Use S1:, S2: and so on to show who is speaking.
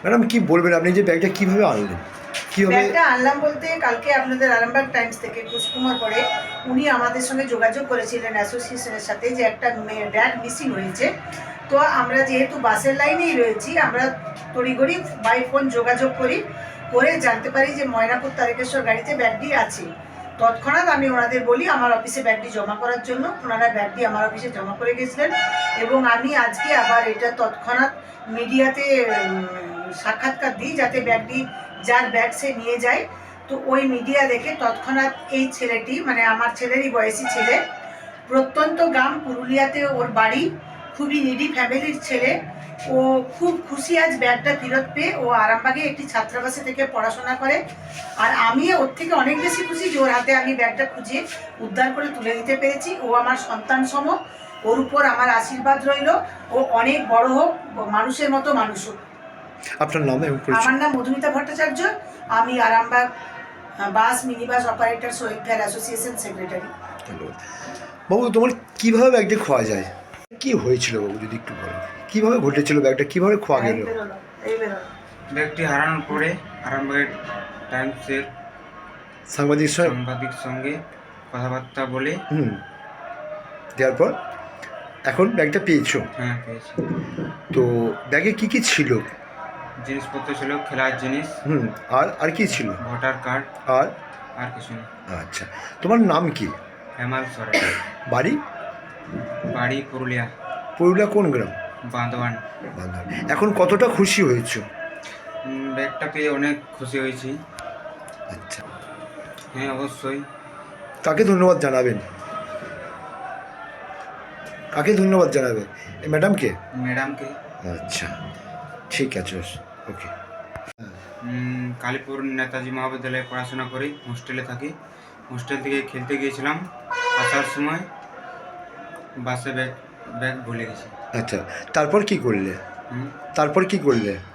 S1: Madam কি বলবেন, আপনি যে ব্যাগটা কীভাবে আনলেন, কীভাবে?
S2: ব্যাগটা আনলাম বলতে কালকে আপনাদের আরামবাগ টাইমস থেকে কুশকুমার করে উনি আমাদের সঙ্গে যোগাযোগ করেছিলেন অ্যাসোসিয়েশনের সাথে যে একটা ব্যাগ মিসিং হয়েছে। তো আমরা যেহেতু বাসের লাইনেই রয়েছি, আমরা তড়িঘড়ি বাই ফোন যোগাযোগ করে জানতে পারি যে ময়নাপুর তারকেশ্বর গাড়িতে ব্যাগটি আছে। তৎক্ষণাৎ আমি ওনাদের বলি আমার অফিসে ব্যাগটি জমা করার জন্য। ওনারা ব্যাগটি আমার অফিসে জমা করে গেছিলেন এবং আমি আজকে আবার এটা তৎক্ষণাৎ মিডিয়াতে সাক্ষাৎকার দিই যাতে ব্যাগটি যার ব্যাগ সে নিয়ে যায়। তো ওই মিডিয়া দেখে তৎক্ষণাৎ এই ছেলেটি, মানে আমার ছেলেরই বয়সী ছেলে, প্রত্যন্ত গ্রাম পুরুলিয়াতে ওর বাড়ি, খুবই নিডি ফ্যামিলির ছেলে, ও খুব খুশি আজ ব্যাগটা ফেরত পেয়ে। ও আরামবাগে একটি ছাত্রাবাসে থেকে পড়াশোনা করে, আর আমি ওর থেকে অনেক বেশি খুশি যে ওর হাতে আমি ব্যাগটা খুঁজে উদ্ধার করে তুলে দিতে পেরেছি। ও আমার সন্তান সম, ওর উপর আমার আশীর্বাদ রইল। ও অনেক বড় হোক, মানুষের মতো মানুষ হোক।
S1: আপনার নাম এবং পরিচয়?
S2: আমার নাম মধুমিতা ভট্টাচার্য, আমি Arambagh bus mini bus operator welfare association secretary.
S1: ধন্যবাদ। বাবু, তোমার কীভাবে ব্যাগটা খোয়া যায়, কি হয়েছিল বাবু যদি একটু বলেন, কীভাবে ঘটেছিল, ব্যাগটা কীভাবে খোয়া গেল?
S3: ব্যাগটি হারানোর পরে আরামবাগের টাইমসের
S1: সাংবাদিক
S3: সঙ্গে কথাবার্তা বলে
S1: দেওয়ার পর এখন ব্যাগটা পেয়েছো?
S3: হ্যাঁ, পেয়েছি।
S1: তো ব্যাগে কি কি ছিল?
S3: জিনিসপত্র ছিল, খেলার জিনিস।
S1: আর কি ছিল?
S3: Voter card. আর কিছু নেই।
S1: আচ্ছা, তোমার নাম কি?
S3: হেমাল সরেন।
S1: বাড়ি
S3: পুরুলিয়া।
S1: পুরুলিয়া কোন গ্রাম?
S3: বাঁধওয়ান।
S1: এখন কতটা খুশি হয়েছো?
S3: ব্যাগটা পেয়ে অনেক খুশি হয়েছি।
S1: আচ্ছা,
S3: হ্যাঁ, অবশ্যই।
S1: কাকে ধন্যবাদ জানাবেন? ম্যাডামকে?
S3: ম্যাডামকে।
S1: আচ্ছা, ঠিক আছে, ওকে।
S3: কালীপুর নেতাজি মহাবিদ্যালয়ে পড়াশোনা করি, হোস্টেলে থাকি। হোস্টেল থেকে খেলতে গিয়েছিলাম, আসার সময় বাসে ব্যাগ ভুলে গেছি।
S1: আচ্ছা, তারপর কি করলে?